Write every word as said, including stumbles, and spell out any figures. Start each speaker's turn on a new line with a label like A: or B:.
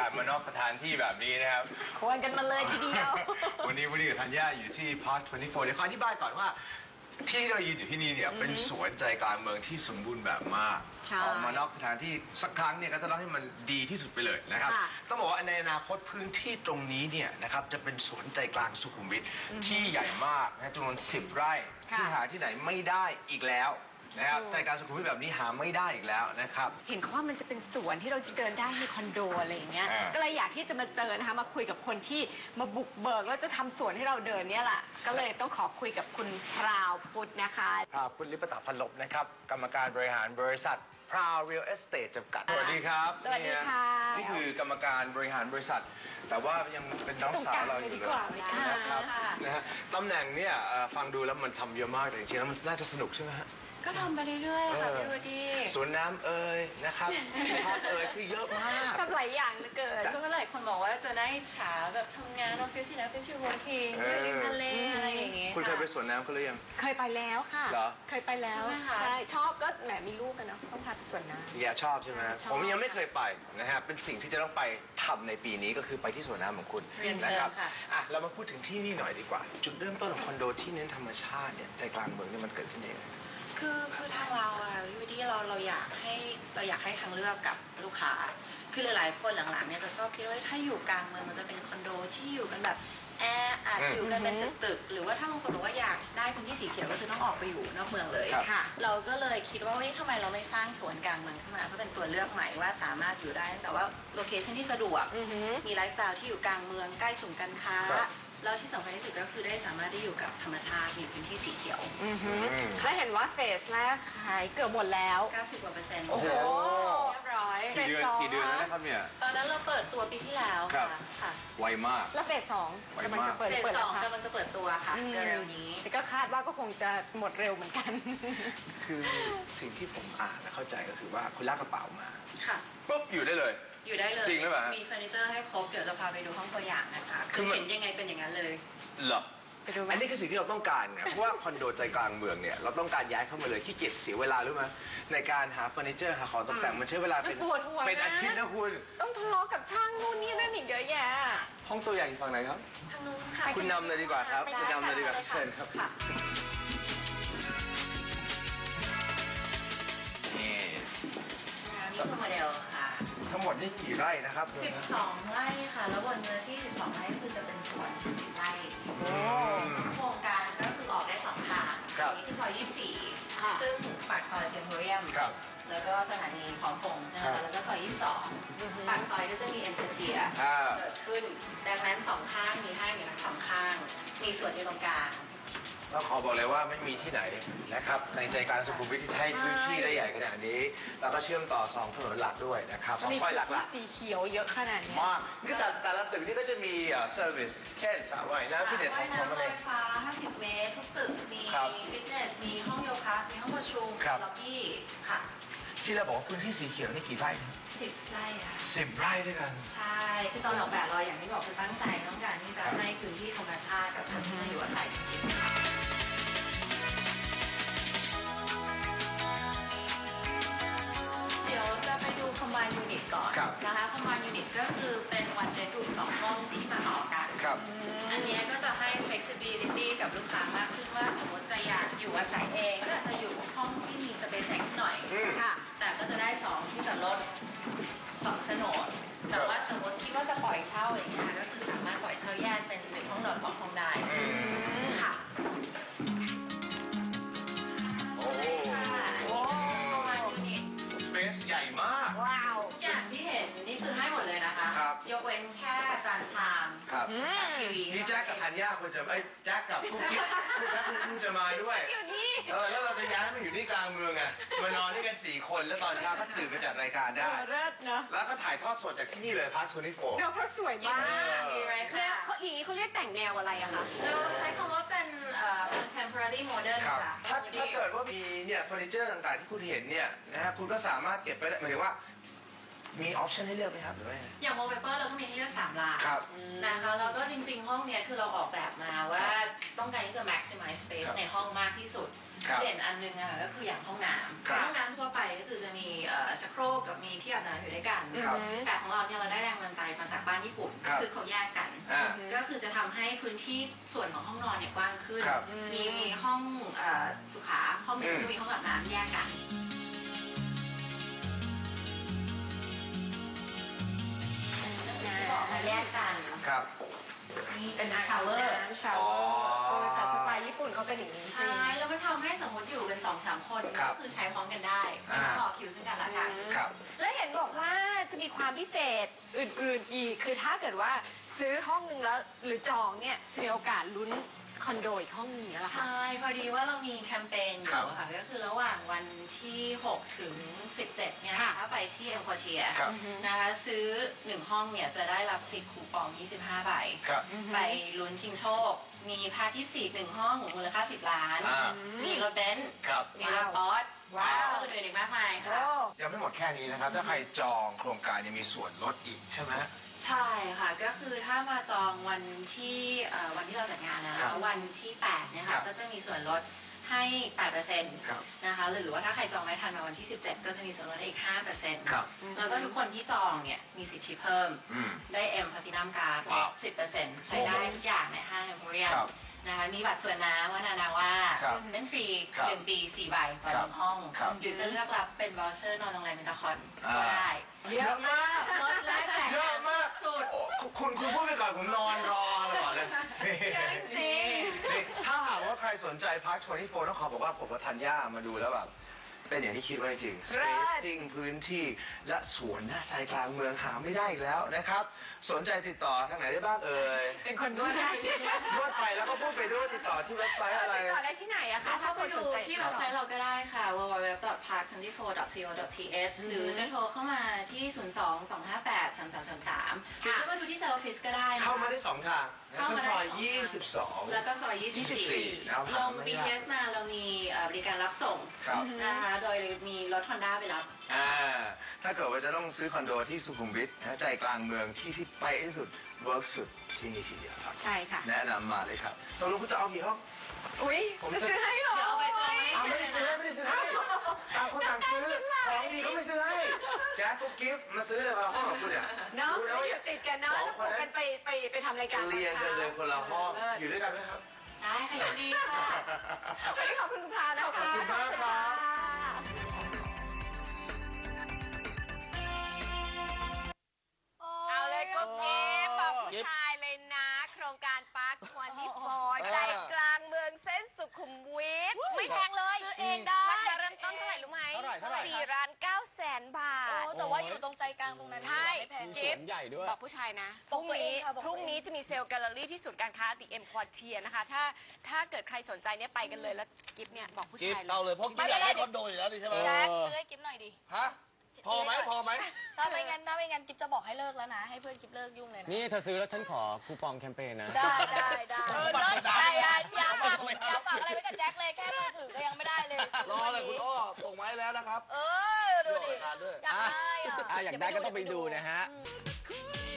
A: มานอกสถานที่แบบนี้นะครับ
B: ควรกันมาเลยทีเดียว
A: วันนี้วันนี้กับธัญญาอยู่ที่ Park ยี่สิบสี่เดี๋ยวขออธิบายก่อนว่าที่เรายืนอยู่ที่นี่เนี่ยเป็นสวนใจกลางเมืองที่สมบูรณ์แบบมาก
B: ใช่
A: ออกมานอกสถานที่สักครั้งเนี่ยก็จะเล่าให้มันดีที่สุดไปเลยนะครับ
B: ค่ะ
A: ต้องบอกว่าในอนาคตพื้นที่ตรงนี้เนี่ยนะครับจะเป็นสวนใจกลางสุขุมวิทที่ใหญ่มากนะจำนวนสิบไร่ที่หาที่ไหนไม่ได้อีกแล้วนะครับใจกลางสุขุมวิทแบบนี้หาไม่ได้อีกแล้วนะครับ
B: เห็นเขาว่ามันจะเป็นสวนที่เราจะเดินได้ในคอนโดอะไรอย่างเงี้ย
A: อ่า
B: ก็เลยอยากที่จะมาเจอนะคะมาคุยกับคนที่มาบุกเบิกแล้วจะทำสวนให้เราเดินเนี่ยแหละก็เลยต้องขอคุยกับคุณพราวพุทธนะคะ
A: พราวพุทธลิปตาพันลบนะครับกรรมการบริหารบริษัทพราวเรียลเอสเตทจำกัดสวัสดีครับ
B: สวัสดีค่ะ
A: นี่คือกรรมการบริหารบริษัท แต่ว่ายังเป็นน้องสาวเราอยู่เลยนะครับนะฮะตำแหน่งเนี่ยเอ่อฟังดูแล้วมันทำเยอะมากแต่จริงๆแล้วมันน่าจะสนุกใช่ไหมฮะ
B: ก็ทำไปเรื่อยๆค่ะ
A: เออ
B: พี่วดี
A: สวนน้ำเอ่ยนะครับที่พักเอ่ยคือเยอะมาก
B: ทำหลายอย่างเหลือเกิน
C: ก็หลายคนบอกว่าจะได้ฉาแบบทำงานออฟฟิศที่ไหนออฟฟิศที่วอร์คิง
A: เออ
C: ริมทะเลอะไรอย่างเงี้ย
A: คุณเคยไปสวนน้ำเขาหรือยัง
B: เคยไปแล้วค่ะ
A: เหรอ
B: เคยไปแล้ว
C: ใช่ไหมคะ
B: ใช่ชอบก็แหมมีลูกกันเนาะต้องพาไปสวนน้ำ
A: อย่าชอบใช่ไหม
B: ชอบ
A: ผมยังไม่เคยไปนะฮะเป็นสิ่งที่จะต้องไปทำในปีนี้ก็คือไปที่สวนน้ำของคุณ
C: เรียน
A: นะ
C: เชิ
A: ค
C: ญ
A: รับ
C: ค่ะ
A: อ่ะเรามาพูดถึงที่นี่หน่อยดีกว่า จุดเริ่มต้นของคอนโดที่เน้นธรรมชาติเนี่ยใจกลางเมืองเนี่ยมันเกิดขึ้นเอง
C: คือคือทางเราอะยูดีเราเราอยากให้เราอยากให้ทางเลือกกับลูกค้า คือหลายๆคนหลังๆเนี่ยจะชอบคิดว่าถ้าอยู่กลางเมืองมันจะเป็นคอนโดที่อยู่กันแบบแออัด
A: อืม
C: อยู่กันเป็นตึกๆหรือว่าถ้าบางคนบอกว่าอยากได้พื้นที่สีเขียวก็คือต้องออกไปอยู่นอกเมืองเลย
A: ครับ
B: ค่ะ
C: เราก็เลยคิดว่าเฮ้ยทำไมเราไม่สร้างสวนกลางเมืองขึ้นมาเพื่อเป็นตัวเลือกใหม่ว่าสามารถอยู่ได้แต่ว่าโลเคชั่นที่สะดวก
B: อือหือ
C: มีไลฟ์สไตล์ที่อยู่กลางเมืองใกล้ศูนย์การค้า
A: ครับ
C: แล้วที่สำคัญที่สุดก็คือได้สามารถได้อยู่กับธรรมชาติมีพื้นที่สีเขียว
B: อือหือ
A: อืม
B: แล้วเห็นว่าเฟสแรกขายเกือบหมดแล้ว
C: เก้าสิบกว่าเปอร์เซ็นต์
A: โอ้โห
B: เรียบร้อย
A: กี่เดือน
B: ฟสง
A: กี่เดือนแล้วนะครับเนี่ย
C: ตอนนั้นเราเปิดตัวปีที่แล้ว
A: ครั
C: ค่ะ
A: บ
C: ค่ะ
A: ไวมาก
B: แล้วเฟสสอง
A: ไว
B: กำลัง
A: มาก
B: จะเปิด
C: เฟส
B: เปิด
C: ส
B: แล้
C: อ
B: ว
C: ง
B: ค่ะ
C: กำลังจะเปิดตัวค่ะ
B: อืม
C: เร็วๆนี้
B: แต่ก็คาดว่าก็คงจะหมดเร็วเหมือนกัน
A: คือสิ่งที่ผมอ่านและเข้าใจก็คือว่าคุณลากกระเป๋ามา
C: ค่ะ
A: ปุ๊บอยู่ได้เลย
C: อยู่ได้เลย
A: จริงหรือเปล่าฮะ
C: มีเฟอร์นิเจอร์ให้ครบเดี๋ยวจะพาไปดูห้องตัวอย่างนะคะ
A: คื
C: คือ อ
A: มัน
C: เห็นยังไงเป็นอย่างนั้นเลย
A: เหรอ
B: ไปดูไหม
A: อันนี้คือสิ่งที่เราต้องการไงเพราะว่าคอนโดใจกลางเมืองเนี่ยเราต้องการย้ายเข้ามาเลยขี้เกียจเสียเวลารู้ไหมในการหาเฟอร์นิเจอร์หาของตกแต่งมันใช้เวลาเป็น
B: ปวดหัวนะ
A: เป็นอาทิตย์นะคุณ
B: ต้องทะเลาะกับช่างนู่นนี่นั่นอีกเยอะแยะ
A: ห้องตัวอย่างอยู่ฝั่งไหนครับ
C: ทางนู้นค่ะ
A: คุณนำเลยดีกว่าครับ
C: ไป
A: คุณนำเลยดีกว่า
C: ค่ะ
A: เชิญครับ
C: ค่ะ
A: นี่
C: นี่คือโมเดลค่ะ
A: ทั้งหมดนี่กี่ไร่นะครับ
C: สิบสองไร่ค่ะ แล้วบนเนื้อที่สิบสองไร่ก็คือจะเป็นสวนสิบไร่
A: อืม
C: โครงการก็คือออกได้สองทาง
A: ครับ
C: อันนี้คือซอยยี่สิบสี่
B: ค่ะ
C: ซึ่งปากซอยเทมโพเรียม
A: ครับ
C: แล้วก็สถานีพร้อมพงษ์ใช่ไหม
A: ครั
C: คะ
A: บ
C: แล้วก็ซอยยี่สิบสอง
B: อือฮึ
C: ปากซอยก็จะมีเอ็นเตอร์เทีย
A: อ่า
C: เกิดขึ้น ดังนั้นสองข้างมีห้างอยู่ทั้งสองข้าง มีสวนอยู่ตรงกลาง
A: ต้องขอบอกเลยว่าไม่มีที่ไหนนะครับในใจกลางสุขุมวิทที่ให้พื้นที่ได้ใหญ่ขนาดนี้ แล้วก็เชื่อมต่อสองถนนหลักด้วยนะครับสองซอยหลัก
B: สีเขียวเยอะขนาดเนี้
A: ๆ
B: ย
A: มากคือแต่แต่ละตึกนี่ก็จะมีเซอร์วิสเช่นสระว่ายน้ำที่เด็ดข
C: ว่า
A: อย ง
C: น้ำ
A: อะ
C: ร
A: ไร
C: ถไฟฟ้า ห้าสิบ เมตร ทุกตึก มี
A: ครับ
C: ฟิตเนส มีห้องโยคะ มีห้องประชุม
A: ครับ
C: ล็อบบี้ ค่ะ
A: ที่เราบอกว่าพื้นที่สีเขียวนี่กี่ไร่
C: สิบไร่ค่ะ
A: สิบไร่ด้วยกัน
C: ใช่ คือตอนออกแบบเราอย่างที่บอกคือตั้งใจต้องการที่จะให้พื้นที่ธรรมชาติกับพื้นที่น่าอยู่อาศัยจริงๆค่ะเดี๋ยวจะไปดู combine unit ก่อน
A: ครับ
C: นะคะ combine unit ก็คือเป็น one bedroom สองห้องที่มาต่อกัน
A: ครับ
C: อันเนี้ยก็จะให้ flexibility กับลูกค้ามากขึ้นว่าสมมติจะอยากอยู่อาศัยเองก็อาจจะอยู่ห้องที่มี space แสงหน่อย
A: อืม
C: ค่ะ แต่ก็จะได้สองที่จอดรถสองโฉนด แต่ว่าสมมติคิดว่าจะปล่อยเช่าอย่างเงี้ยก็คือสามารถปล่อยเช่าแยกเป็นหนึ่งห้องนอนสองห้องได้
A: อืม
C: ค่ะ
A: โอ้
C: ค่ะอันนี้คือประมาณยูนิต
A: สเปซใหญ่มาก
B: ว้าว
C: ทุกอย่างที่เห็นนี่คือให้หมดเลยนะคะ
A: ครับ
C: ยกเว้นแค่จานชาม
A: ครับ
B: อืม
C: ทีวี
A: นี่แจ็คกับธัญญาควรจะไอ้ยแจ็คกับกุ๊กกิ๊บกุ๊กแจ็คกุ๊กกิ๊บจะมาด้วย
B: อยู่นี่
A: เออแล้วเราจะย้ายมาอยู่ที่กลางเมืองไงมานอนด้วยกันสี่คนแล้วตอนเช้าก็ตื่นมาจัดรายการ
B: เอ
A: ได้
B: อเลิศเนอะ
A: แล้วก็ถ่ายทอดสดจากที่นี่เลยพาร์ททูนิโฟ
B: เดี๋ยวเขาสวยมาก
C: มีไร
B: แล้
C: ค่ะ
B: วเขาอย่างนี้เขาเรียกแต่งแนวอะไรอะคะ
C: เราใช้คำว่าเป็นเอ่อ contemporary modern
A: ครับ
C: ค่ะ
A: ถ้าถ้าเกิดว่ามีเนี่ยเฟอร์นิเจอร์ต่างๆที่คุณเห็นเนี่ยนะฮะคุณก็สามารถเก็บไปได้หมายถึงว่ามีออปชั่นให้เลือกไหมครับหรือว่า
C: อย่าง wallpaper เราก็มีให้เลือกสามามล้าน
A: ครับ
C: นะคะแล้วก็จริงๆห้องเนี้ยคือเราออกแบบมาว่าต้องการที่จะ maximize space
A: ครับ
C: ในห้องมากที่สุด
A: ครับ
C: เด่นอันนึงอะก็คืออย่างห้องน้
A: ครับ
C: ำห้องน้ำทั่วไปก็คือจะมีเอ่อชักโครกกับมีที่อาบน้ำอยู่ด้วยกัน
A: ครับ
C: แต่ของเราเนี่ยเราได้แรงบันดาลใจมาจากบ้านญี่ปุ่น
A: ครับ
C: คือเขาแยกกัน
A: อ่า
C: ก็คือจะทำให้พื้นที่ส่วนของห้องนอนเนี่ยกว้างขึ้น
A: ครับ
C: มีห้องเอ่อสุขาห้องหนึ่ง
A: อืม
C: ก็มีห้องอาบน้ำแยกกันที่บอกมาแยกกัน
A: ครับ
C: นี่เป็น
B: ชา
C: ชาว ว
B: เว
C: เว
B: อ
C: อ
B: ร์
C: ร์
B: ชาวเวอร์แต่สไตล์ญี่ปุ่นเขาเป็นอย่างนี้จริง
C: ใช่ แล้วมันทำให้สมมติอยู่กันสองสามคน
A: ครับ
C: ก็คือใช้พร้อมกันได้
A: อ่า
C: ต่อคิวซึ่งกันและกัน
A: ครับ
B: และเห็นบอกว่าจะมีความพิเศษอื่นๆอีก คือถ้าเกิดว่าซื้อห้องนึงแล้วหรือจองเนี่ยจะมีโอกาสลุ้นคอนโดอีกห้องนึงอย่างนี้ยเหรอคะ
C: ใช่ พอดีว่าเรามีแคมเปญอ
A: ครับ
C: ยู่ค่ะ ก็คือระหว่างวันที่ หก ถึง สิบเจ็ด เนี่ย
B: ค่ะ
C: ถ้าไปที่เอ็มควอเทีย
A: ครับ
C: นะคะ ซื้อหนึ่งห้องเนี่ยจะได้รับสิทธิ์คูปอง ยี่สิบห้า ใบ
A: ครับ
C: ไปลุ้นชิงโชค มีพาร์ทยี่สิบสี่หนึ่งห้องมูลค่า สิบ ล้าน
A: อ่า
C: มีรถเบนซ์
A: ครับ
C: มีรถบอส
B: ว้าว
C: แล้วก็อื่นๆอีกมากมายค่ะ
B: โอ้
A: ยังไม่หมดแค่นี้นะครับ ถ้าใครจองโครงการยังมีส่วนลดอีกใช่ไหม
C: ใช่ค่ะ ก็คือถ้ามาจองวันที่เอ่อวันที่เราจัดงานนะ
A: ครั
C: คะ
A: บ
C: วันที่ แปดเนี่ย
A: ครั
C: ค่ะ
A: บ
C: ก็จะมีส่วนลดให้ แปดเปอร์เซ็นต์
A: ครับ
C: นะคะ หรือว่าถ้าใครจองไม่ทันมาวันที่ สิบเจ็ด ก็จะมีส่วนลดอีก ห้าเปอร์เซ็นต์
A: ครับ
C: แล้วก็ทุกคนที่จองเนี่ยมีสิทธิเพิ่ม
A: อืม
C: ได้ M Platinum Card
A: ว้าว
C: สิบเปอร์เซ็นต์ ใช้ได้ทุกอย่างในห้างเอ็มโพเรียม
A: ครับ
C: นะคะ มีบัตรส่วนน้ำว่านานาว่า
A: ครับ
C: เล่นฟรี
A: ครับ
C: หนึ่งปีสี่ใบต่อห
A: ครับ
C: นึ่งห้อง
A: ครับ
C: หรือจะเลือกรับเป็นวอลเชอร์นอนโรงแรมเมนตาคอน
A: อ่า
C: ก็ได้
A: เยอะมาก
C: ลดและแจก
A: เยอะมาก
C: สุด
A: โอ้คุณคุณพูดไปก่อนผมนอนรอเลยก่อนเลย
B: จริง
A: นี่ถ้าหากว่าใครสนใจพาร์ทยี่สิบสี่ต้องขอบอกว่าผมกับธัญญามาดูแล้วแบบเป็นอย่างที่คิดไว้จริง
B: เลิศ
A: spacing พื้นที่และสวนหน้าใจกลางเมืองหาไม่ได้อีกแล้วนะครับ สนใจติดต่อทางไหนได้บ้างเอ่ย
B: เป็นคนด้วยนะ
A: นวดไปแล้วก็พูดไปด้วยติดต่อที่เว็บไซต์อะไร
B: ติดต่อได้ที่ไหนอะคะ
C: เข้าไป
B: คน
C: ดู
B: สนใจ
C: ที่เว็บไซต์เราก็ได้ค่ะ ดับเบิลยู ดับเบิลยู ดับเบิลยู ดอท พาร์ค ยี่สิบสี่ ดอท ซี โอ ดอท ที เอช หรือจะโทรเข้ามาที่ ศูนย์ สอง สอง ห้า แปด สาม สาม สาม สาม หรือจะมาดูที่เซลล์ออฟฟิศก็ได้นะคะ
A: เข้ามาได้สองทางนะ
C: เข้ามาได้
A: ซอย
C: สองทาง
A: ยี่สิบสอง
C: แล้วก็ซอย ยี่สิบสี่
A: นะครับ
C: ลง บี ที เอส มาเรามีเอ่อบริการรับส่ง
A: ครับ
C: นะคะ โดยมีรถ Honda ไปรับ
A: อ่าถ้าเกิดว่าจะต้องซื้อคอนโดที่สุขุมวิทนะใจกลางเมืองที่ที่ไปที่สุดเวิร์กสุดที่นี่ทีเดียวครับ
B: ใช่ค่ะ
A: แนะนำมาเลยครับตกลงคุณจะเอากี่ห้อง
B: อุ้ย
A: ผม
B: จะ
A: จะ
B: ซื้อให้เหรอ
C: เดี๋ยวเอาไปจองให้
A: เอาไม่ได้ซื้อไม่ได้ซื้อให้ต่างคนต่างซื้อของดีก็ไม่ซื้อให้แจ๊คกุ๊กกิ๊บมาซื้อเลยมาห้องของคุณเนี่ย
B: เนาะ
A: รู้แล้ว
B: ไม่
A: ว่า
B: อยู่ติดกันเนาะ
A: สอง
B: แล้ว
A: คนนั้น
B: กันไปไปไปทำรายการ
A: เรียนกันเลยคนละห้อง
B: เออ
A: อยู่ด้วยกันไหมครับ
C: ได้ค่ะยินดีค่ะ
B: วันนี้ขอบคุณคุณพานะคะ
A: ขอบคุณมากครับ
B: เอาเลยกุ๊กกิ๊บบอกผู้ชายเลยนะ โครงการปาร์คทเวนตี้โฟร์ใจกลางเมืองเส้นสุขุมวิทไม่แพงเลย
D: ซื้อเองได้
B: ราคาเริ่มต้นเท่าไหร่รู้ไหม
E: เท่าไหร่เท่าไหร่
B: สี่ล้านเก้าแสนบาท
D: โอ้แต่ว่าอยู่ตรงใจกลางตรงนั้น
B: ใช่
D: ไม่แพง
B: กิ๊บ
E: ใหญ่ด้วย
B: บอกผู้ชายนะพ
D: บอ
B: รุ่
D: ก
B: ง
D: ตัวเอ
B: นี้
D: งค่ะบอกตัวเอง
B: พรุ่งนี้จะมีเซลล์แกลเลอรี่ที่ศูนย์การค้าติเอ็มควอเทียนะคะ ถ้าถ้าเกิดใครสนใจเนี่ยไปกันเลยแล้วกิ๊บเนี่ยบอกผู้
E: กิ๊บ
B: ชายเล
E: เอา
B: ย
E: เลยเพราะกิ๊บอยากได้คอนโดอยู่แล้วดิใช่ไหม
D: แจ็คซื้อให้กิฟหน่อยดิ
E: ฮะ พอไหมพอไหม
D: ถ้าไม่งั้นถ้าไม่งั้นกิฟจะบอกให้เลิกแล้วนะ ให้เพื่อนกิฟเลิกยุ่งเลยนะ
F: นี่เธอซื้อแล้วฉันขอคูปองแคมเปญนะ
D: ได้ได้ได้
B: เออเลิศ
D: ได้ได้อย่าฝากอย่าฝากอะไรไว้กับแจ็คเลยแค่มือถือก็ยังไม่ได้เลย
E: รอเลยคุณอ้อส่งมาให้แล้วนะครับ
D: เออดูดิ
E: รายการด้วย
D: อยากได้อะ
F: อ่ะอยากได้ก็ต้องไปดูนะฮะ
D: อืม